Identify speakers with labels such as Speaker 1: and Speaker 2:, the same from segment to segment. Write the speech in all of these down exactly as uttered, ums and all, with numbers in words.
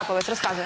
Speaker 1: трапилось? Розказуй.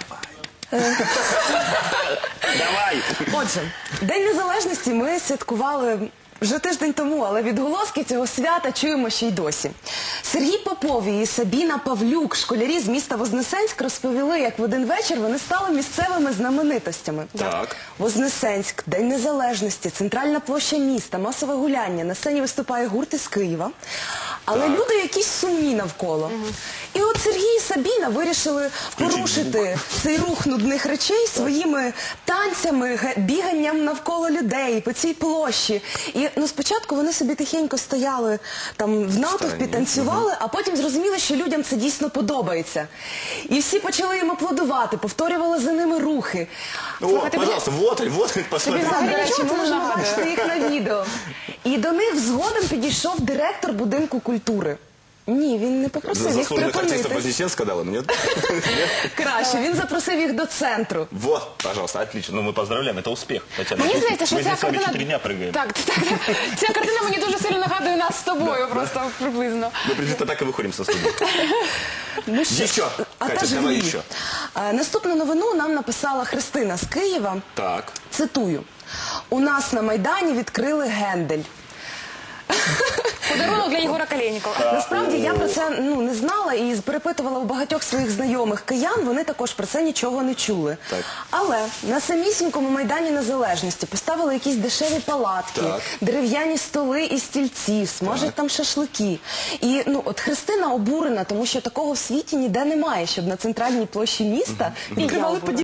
Speaker 2: Давай!
Speaker 3: Отже, День Незалежності ми святкували вже тиждень тому, але відголоски цього свята чуємо ще й досі. Сергій Поповій і Сабіна Павлюк, школярі з міста Вознесенськ, розповіли, як в один вечір вони стали місцевими знаменитостями.
Speaker 2: Так.
Speaker 3: Вознесенськ, День Незалежності, центральна площа міста, масове гуляння. На сцені виступає гурт із Києва. Але
Speaker 2: Так.
Speaker 3: люди якісь сумні навколо. І от Сергій і Сабіна вирішили порушити цей рух нудних речей своїми танцями, ге- біганням навколо людей по цій площі. І ну, спочатку вони собі тихенько стояли там в натовпі,
Speaker 2: Стороні.
Speaker 3: танцювали, а потім зрозуміли, що людям це дійсно подобається. І всі почали їм аплодувати, повторювали за ними рухи.
Speaker 2: О,
Speaker 1: Слухайте,
Speaker 2: пожалуйста, вот, вот, посмотрите.
Speaker 3: Так, до
Speaker 1: Взагалі,
Speaker 3: речі,
Speaker 1: чому
Speaker 3: ми
Speaker 1: це
Speaker 3: можемо
Speaker 1: нагадує?
Speaker 3: бачити їх на відео. І до них згодом підійшов директор будинку культури. Ні, він не попросив їх
Speaker 2: Заслуженных артистов
Speaker 3: припинити.
Speaker 2: Вознесенска дала, нет?
Speaker 3: Краще, він запросив їх до центру.
Speaker 2: Вот, пожалуйста, отлично. Ну, мы поздравляем, это успех. Татьяна,
Speaker 1: Мені
Speaker 2: мы
Speaker 1: здається, що
Speaker 2: здесь
Speaker 1: ця
Speaker 2: с вами
Speaker 1: картина...
Speaker 2: четыре дня прыгаем.
Speaker 1: Так, так, так. Ця картина мені дуже сильно нагадує нас з тобою, просто приблизно.
Speaker 2: Мы приблизительно так и выходим со студии.
Speaker 3: Ну що,
Speaker 2: Еще,
Speaker 3: а
Speaker 2: Катя,
Speaker 3: та ж
Speaker 2: давай
Speaker 3: ні.
Speaker 2: еще.
Speaker 3: А, Наступну новину нам написала Христина з Києва.
Speaker 2: Так.
Speaker 3: Цитую. У нас на Майдані відкрили гендель.
Speaker 1: Подарунок для Єгора Калєнікова.
Speaker 3: Насправді я про це ну, не знала і перепитувала у багатьох своїх знайомих киян, вони також про це нічого не чули.
Speaker 2: Так.
Speaker 3: Але на самісінькому Майдані Незалежності поставили якісь дешеві палатки,
Speaker 2: Так.
Speaker 3: дерев'яні столи і стільці, смажать там шашлики. І ну, от Христина обурена, тому що такого в світі ніде немає, щоб на центральній площі міста відкривали подібні